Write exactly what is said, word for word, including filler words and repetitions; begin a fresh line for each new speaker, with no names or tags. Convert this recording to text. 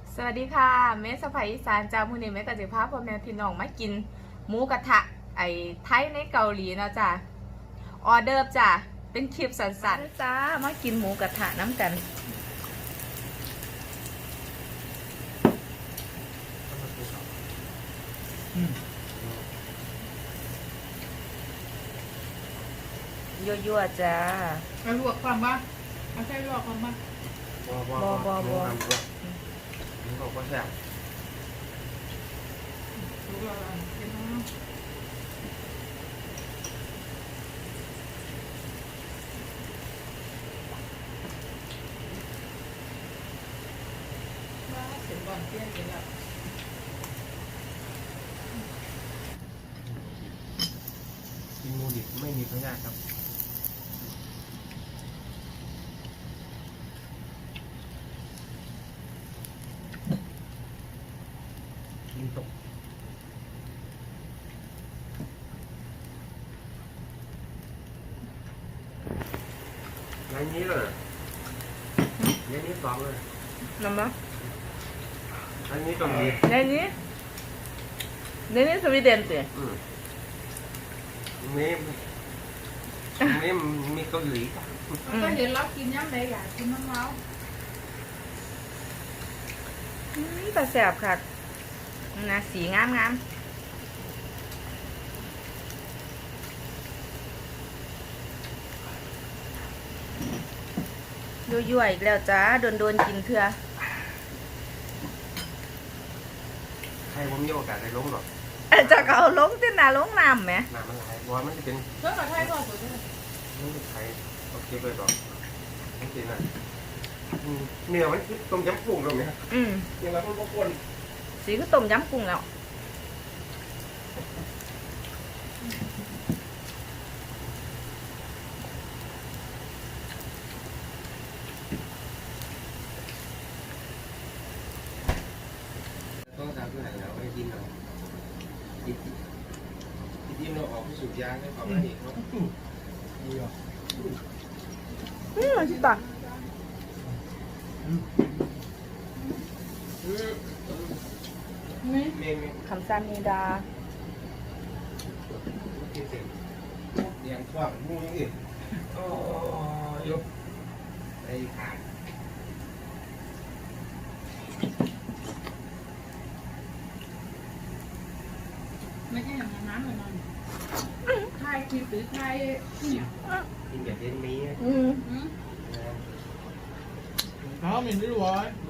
สวัสดีค่ะเมสไพอีสานจ้ามื้อนี้แม่ก็สิพาพ่อแม่พี่น้องมากินหมูกระทะไอ้ไทยในเกาหลีเนาะจ้าออเดิร์ฟจ้าเป็นคลิปสั้นๆจ้ามากินหมูกระทะน้ำกันยั่วๆจ้า
เอาลวกความบ้างเอาใช่ลวกความบ้าง
บ่บ่บ่บ่บ่นี่บอกว่าแซ่บ
ลวกอะไรกินน้ำว่าเสร็จก่อนเที่ยงกินแล้ว
กินหมูดิบไม่มีพยาธิครับกินตกงานนี้เลยงานนี้สองเลย
น้ำมะ
อันนี้ก็มี
ในนี้ในนี้สวีเดนสิ
อืมมีมีมีเกาหลี
ก็เห็นเรากินย้ำไหนอยากกินน้ำเมา
แต่แสบค่ะนะสีงามงามยั่วๆอีกแล้วจ้าโดนโดนกินเถื่อ
ใครผมมีโอกาสได้ลงหรอก
จะเอาลงที่นาลงน้ำไหม
น้ำมันไหลเพราะว่ามันจะเป็น
เพื่อนกับไทยก็สวยด้วย
มันจะไทยโอเคเลยหรอกจริงๆนะเนื้อมันต้มยำกุ้งตรงนี้
อืม
ยังไงมันก็คน
สีก็ต้มยำกุ้งแล้ว
ต้องทำที่ไหนแล้วไม่กินเรากินกินเราออกไปสูบยาให้ความละเอียดเขาดีอ่ะ
อืมชิตะ
นี่
เมนเมน
คำซามีดา
กินเสร็จเลี้ยงข้าวมูนี่โอ้ยกไอ้ขาด
ไม่ใช่อย่างนั้นเลยมันไทยคิดหรือไทยเนี่ย
กินแบบเย็นนี้
อืม
อืม
นะ
Ja, men det var